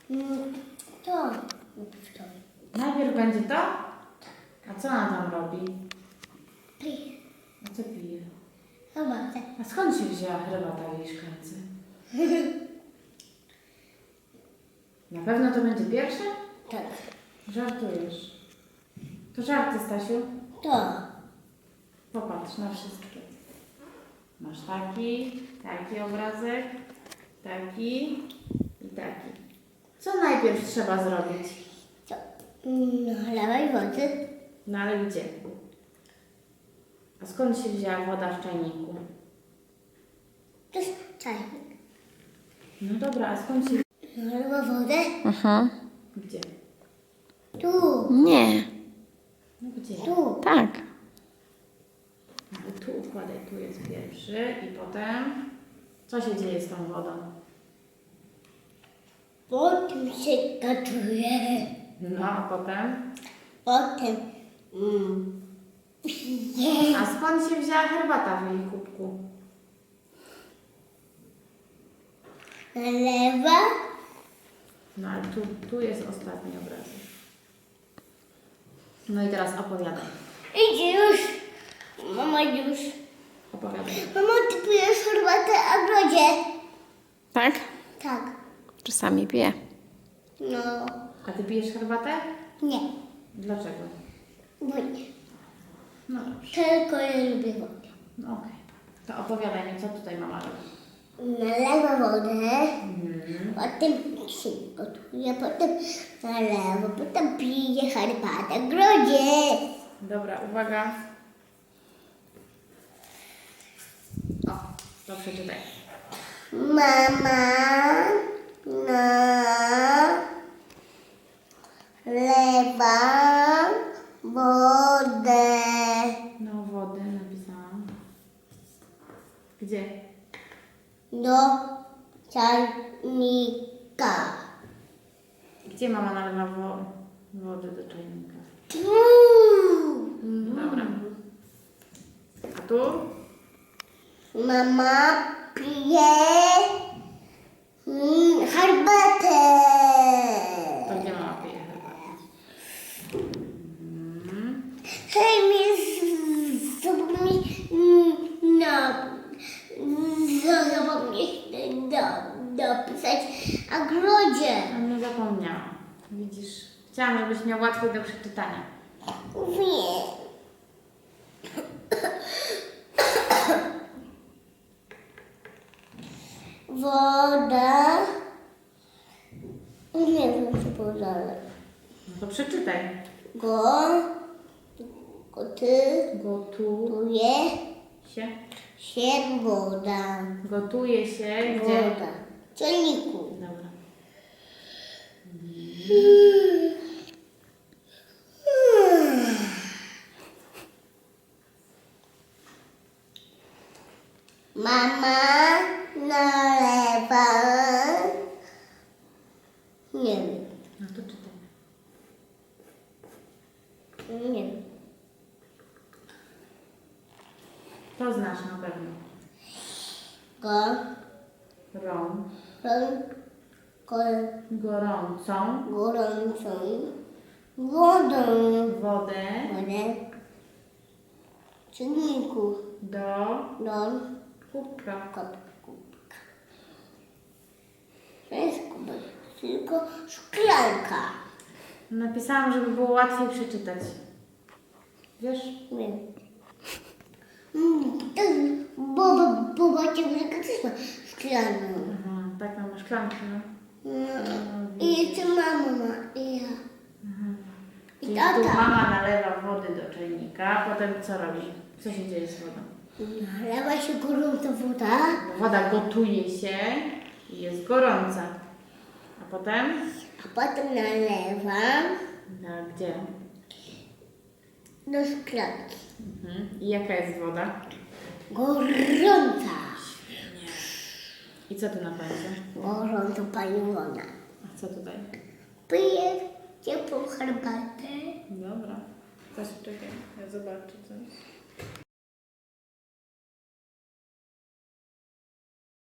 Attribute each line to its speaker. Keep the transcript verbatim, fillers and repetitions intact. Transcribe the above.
Speaker 1: Mm, to. to.
Speaker 2: Najpierw będzie to? A co ona tam robi?
Speaker 1: Pije.
Speaker 2: A co pije?
Speaker 1: Herbatę.
Speaker 2: A skąd się wzięła herbata w jej szklance? Na pewno to będzie pierwsze?
Speaker 1: Tak.
Speaker 2: Żartujesz. To żarty, Stasiu.
Speaker 1: To.
Speaker 2: Popatrz na wszystkie. Masz taki, taki obrazek, taki i taki. Co najpierw trzeba zrobić?
Speaker 1: To. Nalewaj wody.
Speaker 2: No ale gdzie? A skąd się wzięła woda w czajniku?
Speaker 1: To jest czajnik.
Speaker 2: No dobra, a skąd się...
Speaker 1: Nalewa wodę.
Speaker 3: Aha.
Speaker 2: Gdzie?
Speaker 1: Tu.
Speaker 3: Nie.
Speaker 2: No gdzie?
Speaker 1: Tu.
Speaker 3: Tak.
Speaker 2: No i tu układaj, tu jest pierwszy i potem... Co się dzieje z tą wodą?
Speaker 1: Potem się gotuje.
Speaker 2: No a potem?
Speaker 1: Potem. Mm, pije.
Speaker 2: A skąd się wzięła herbata w jej kubku?
Speaker 1: Nalewa.
Speaker 2: No ale tu, tu jest ostatni obrazek. No i teraz opowiadaj.
Speaker 1: Idzie już. Mama już.
Speaker 2: Opowiadaj.
Speaker 1: Mama, ty pijesz herbatę w ogrodzie?
Speaker 3: Tak?
Speaker 1: Tak.
Speaker 3: Czasami piję.
Speaker 1: No.
Speaker 2: A ty pijesz herbatę?
Speaker 1: Nie.
Speaker 2: Dlaczego?
Speaker 1: Bo nie.
Speaker 2: No dobrze.
Speaker 1: Tylko ja lubię wodę.
Speaker 2: No okej. To opowiadaj mi, co tutaj mama robi.
Speaker 1: Nalewa wodę.
Speaker 2: Mhm.
Speaker 1: Potem się gotuje. Potem nalewa. Potem pije herbatę w ogrodzie.
Speaker 2: Dobra, uwaga. O, to przeczytaj.
Speaker 1: Mama nalewa wodę.
Speaker 2: No wody napisałam. Gdzie?
Speaker 1: Do czajnika.
Speaker 2: Gdzie mama nalewa wo wody do czajnika? Dobra. A tu?
Speaker 1: Mama pije mm, herbatę.
Speaker 2: To gdzie mama pije herbatę? Mhm.
Speaker 1: Hej, mi zapomnij no, zapomnij do, dopisać w ogrodzie.
Speaker 2: A nie zapomniałam. Widzisz, chciałam, żebyś miał łatwiej do przeczytania.
Speaker 1: Nie. Woda. Nie wiem, co powiedziałem.
Speaker 2: No to przeczytaj.
Speaker 1: Go. Goty.
Speaker 2: Gotuje
Speaker 1: Gotuje
Speaker 2: się.
Speaker 1: się woda.
Speaker 2: Gotuje się gdzie?
Speaker 1: Woda. W czajniku.
Speaker 2: Dobra.
Speaker 1: Mama nalewa. Nie wiem.
Speaker 2: No to czytaj.
Speaker 1: Nie wiem.
Speaker 2: To znasz na pewno.
Speaker 1: Go.
Speaker 2: Rą.
Speaker 1: Ron. Kol.
Speaker 2: Gorącą
Speaker 1: Gorącą. Wodą.
Speaker 2: wodę
Speaker 1: Wodę. W czajniku.
Speaker 2: do
Speaker 1: Do.
Speaker 2: kubka.
Speaker 1: Kubka. To jest kubek. Tylko szklanka.
Speaker 2: Napisałam, żeby było łatwiej przeczytać. Wiesz?
Speaker 1: Nie. Mm, to jest, bo, bo, bo babcia Brzega też ma szklaną.
Speaker 2: Aha, tak, mam szklankę, no.
Speaker 1: No. I jeszcze mama ma. I ja. I
Speaker 2: I tu
Speaker 1: tata.
Speaker 2: mama nalewa wody do czajnika, potem co robi? Co się dzieje z wodą?
Speaker 1: Nalewa się gorąca woda.
Speaker 2: Woda gotuje się i jest gorąca. A potem?
Speaker 1: A potem nalewam
Speaker 2: No, gdzie?
Speaker 1: do szklanki.
Speaker 2: Mhm. I jaka jest woda?
Speaker 1: Gorąca.
Speaker 2: I co tu na końcu?
Speaker 1: Gorąca pani woda.
Speaker 2: A co tutaj?
Speaker 1: Piję ciepłą herbatę.
Speaker 2: Dobra. Coś czekaj, ja zobaczę coś.